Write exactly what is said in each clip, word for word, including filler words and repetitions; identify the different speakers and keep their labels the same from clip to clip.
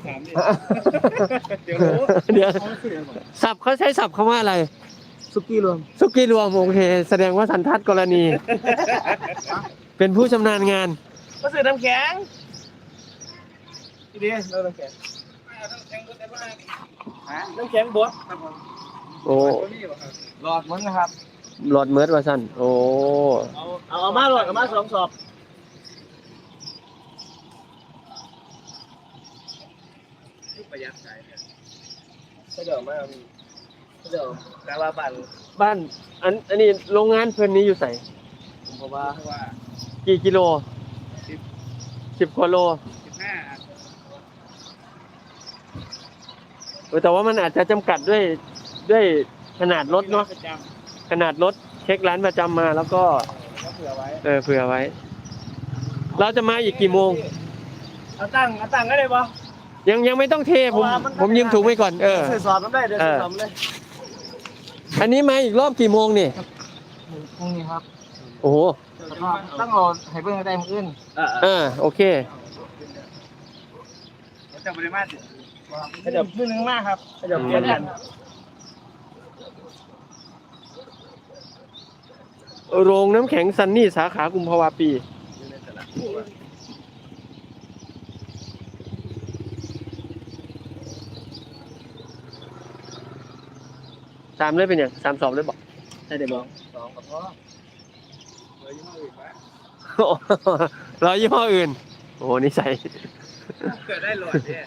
Speaker 1: ถามดิเดี๋ยวรู้
Speaker 2: เดี๋ยวสับเขาใช้สับคำว่าอะไร
Speaker 1: สุกี้รวม
Speaker 2: สุกี้รวมโอเคแสดงว่าสันทัดกรณี เป็นผู้ชำนาญงาน
Speaker 1: ก็ซื้อน้ำแข็งทีนี้เราน้ำแข็งน้ำแข็งบดได้บ้างน้ำแข็งบดครับผม
Speaker 2: โอ้
Speaker 1: หลอดมันนะครับ
Speaker 2: หลอดเมิร์ดว่าสั้นโอ้
Speaker 1: เอาเอาเอามาหลอดเอามาสองสอบประหยัดใจเนี่ยก็เดี๋ยวมาก็เดี๋ยวแต่ว่าบ้าน
Speaker 2: บ้านอันอันนี้โรงงานเพิ่นนี้อยู่ใส่
Speaker 1: ผมเพราะว่าเพราะว่า
Speaker 2: กี่กิโลสิบกว่าโล
Speaker 1: สิบห้า
Speaker 2: เออแต่ว่ามันอาจจะจำกัดด้วยด้วยขนาดรถเนาะ
Speaker 1: ประจ
Speaker 2: ขนาดรถเช็คร้านประจำมาแล้วก็
Speaker 1: ำก็เผื่อไว้
Speaker 2: เออเผื่อไว้ เราจะมาอีกกี่โมง
Speaker 1: เอาตั้งเอาตั้งก็ได้ปะ
Speaker 2: ยังยังไม่ต้องเทผมผมยืมถุงไว้ก่อนเออ
Speaker 1: เสือสอบน้ำได้เดี๋ยวเสือสอบเลย
Speaker 2: อันนี้มาอีกรอบกี่โมงนี่
Speaker 1: พรุ่งนี้ครับ
Speaker 2: โอ้โห
Speaker 1: ต้องรอให้เพื่อนได้มืออื่น
Speaker 2: เออโอเค
Speaker 1: จะบริมาตรขยับมือนึงมากครับขยับเปลี่ยนกัน
Speaker 2: โรงน้ำแข็งซันนี่สาขากุมภาวะปีสามเลยเป็นอย่างสามสอบเลยบอก
Speaker 1: ใช่เดี๋ยวบอกสองกับพ่อเลยยี่ห้ออื่นไหม
Speaker 2: ร้อยยี่ห้ออื่น โอ้โหนิสัย
Speaker 1: เกิดได้หลอดเนี่ย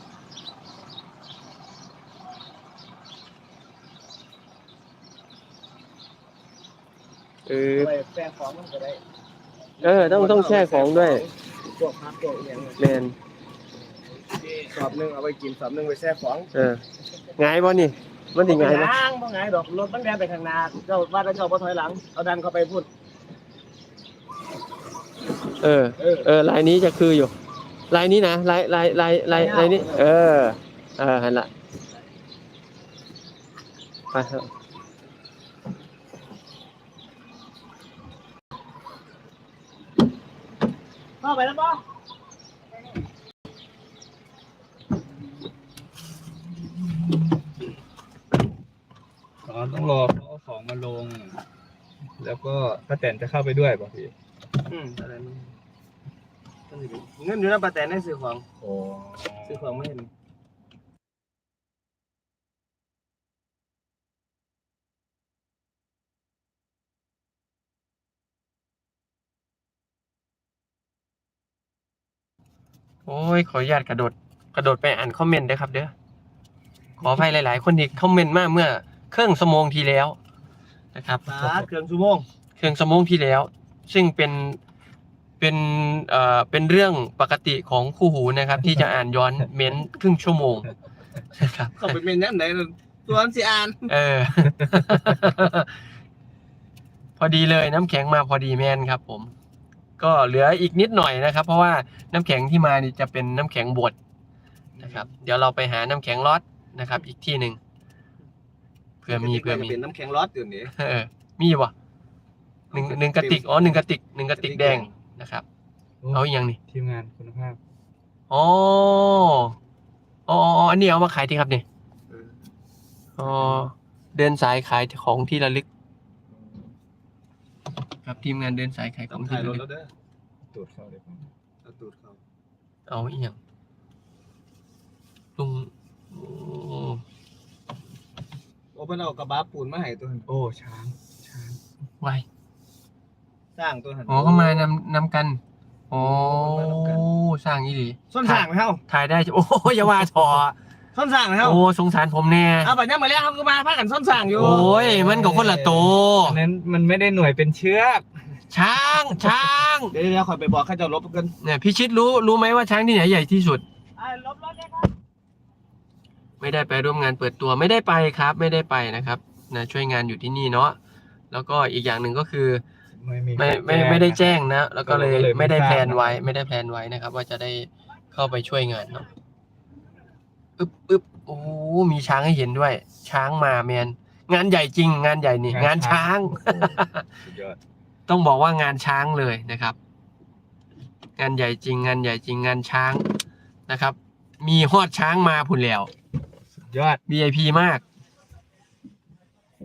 Speaker 2: เออ
Speaker 1: ไปแช่ของมันก็ได้
Speaker 2: เออต้องต้องแช่ของด้วย
Speaker 1: พวกพักพวกอย่าง
Speaker 2: แมน
Speaker 1: สอบหนึ่งเอาไปกินสอบหนึ่งไปแช่ของ
Speaker 2: เออไงบ่นี่มันถึงไงบ่
Speaker 1: ล้างบ่ไงดอกรถมันแดนไปข้างหน้าเจ้าว่าเจ้าบ่ถอยหลังเอาดันเข้าไปพูด
Speaker 2: เออเออลายนี้จะคืออยู่ลายนี้นะลายลายลายลายลายนี้เออเออหันละไปเถอะ
Speaker 1: เข้าไปแล้วป่ะ
Speaker 3: อ๋อต้องรอเขาเอาของมาลง แล้วก็ป้าแตนจะเข้าไปด้วยป่ะพี่
Speaker 1: อืมอะไรมันเงินอยู่ในป้าแตนได้ซื้อของ
Speaker 3: โอ้
Speaker 1: ซื้อของไม่เห็น
Speaker 2: โอ้ยขออนุญาตกระโดดกระโดดไปอ่านคอมเมนต์ด้วยครับเด้อขออภัยหลาย ๆ คนที่คอมเมนต์มาเมื่อครึ่งชั่วโมงที่แล้วนะครับ
Speaker 1: ปาเครื่องชั่วโมง
Speaker 2: เครื่องชั่วโมงที่แล้ว ซึ่งเป็นเป็นเอ่อเป็นเรื่องปกติของคู่หูนะครับ ที่จะอ่านย้อนเม้นต์ครึ่งชั่วโมงนะครับ
Speaker 1: เข้าไปเมนยังไหนตัวอันสิอ่าน
Speaker 2: เออ พอดีเลยน้ำแข็งมาพอดีแมนครับ ผม ก็เหลืออีกนิดหน่อยนะครับ เพราะว่าน้ำแข็งที่มานี่จะเป็นน้ำแข็งบดนะครับ เดี๋ยวเราไปหาน้ำแข็งล็อตนะครับ อีกที่หนึ่งเผื่อมีเผื่อมี
Speaker 1: เป็นน้ำแข็งร้อนอยู่นี่
Speaker 2: เออมีวะหนึ่งหนึ่งกระติกอ๋อหนึ่งกระติกหนึ่งกระติกแดงนะครับ เอาอีกอย่างนี่
Speaker 3: ทีมงานคุณภาพ
Speaker 2: อ๋ออ๋ออ๋ออันนี้เอามาขายที่ครับเนี่ยอ๋อเดินสายขายของที่ระลึก ครับทีมงานเดินสายขายข
Speaker 1: ต้
Speaker 2: อ
Speaker 1: อง ง
Speaker 2: ที่
Speaker 1: ถ่ายร
Speaker 2: ระ
Speaker 1: ถ
Speaker 2: ลึก
Speaker 1: แล้วเด้อ
Speaker 3: ตรวจเข้าเลยครับ
Speaker 1: เอาตูดเขา
Speaker 2: เอาอีกอย่างลุงโอ้
Speaker 1: โอ้เพิ่นเอากระบะปูนมาให้ตัวหัน
Speaker 3: โอ้ช้างช้าง
Speaker 2: ไว
Speaker 1: สร้างตัวหัน
Speaker 2: อ๋อก็มานำนำกันโอ้
Speaker 1: มานำกัน
Speaker 2: สร้างอีหลี
Speaker 1: ส้นสร้างไหมเฮา
Speaker 2: ถ่ายได้จ้ะโอ้อย่าว่าถอ
Speaker 1: ส้นสร้างไหมเฮา
Speaker 2: โอ้สงสารผมแน่
Speaker 1: เอาบัดนี้มาแล้วเขาก็มาพากันส้นสร้างอยู่
Speaker 2: โอ้ยมันก็คนละโตว
Speaker 3: อันนั้นมันไม่ได้หน่วยเป็นเชือก
Speaker 2: ช้างช้าง
Speaker 1: เดี๋ยวเดี๋ยวคอยไปบอกให้เจ้าลบกัน
Speaker 2: เนี่ยพี่ชิดรู้รู้ไหมว่าช้างที่ไหนใหญ่ที่สุด
Speaker 1: ไอ้ลบรถได้ครับ
Speaker 2: ไม่ได้ไปร่วมงานเปิดตัวไม่ได้ไปครับ ไม่ได้ไปนะครับนะช่วยงานอยู่ที่นี่เนาะแล้วก็อีกอย่างหนึ่งก็คือ
Speaker 3: ไม่มี
Speaker 2: ไม่ไม่
Speaker 3: ใคร
Speaker 2: ไม่ได้
Speaker 3: นะ
Speaker 2: แจ้งนะ แล้วก็เลย
Speaker 3: ก็เลยไม่
Speaker 2: ไม่ได้
Speaker 3: ทราบ
Speaker 2: แพลนไว้ ไม่ได้แพลนไว้นะครับ ว่าจะได้เข้าไปช่วยงานเนาะอึบอึบโอ้มีช้างให้เห็นด้วย ช้างมาแมนงานใหญ่จริง งานใหญ่นี่งานช้าง
Speaker 3: โอ้สุดยอด
Speaker 2: ต้องบอกว่างานช้างเลยนะครับ งานใหญ่จริง งานใหญ่จริงงานช้างนะครับมีฮอดช้างมาพุ่นแล้ว
Speaker 3: สุดยอด
Speaker 2: วี ไอ พี มาก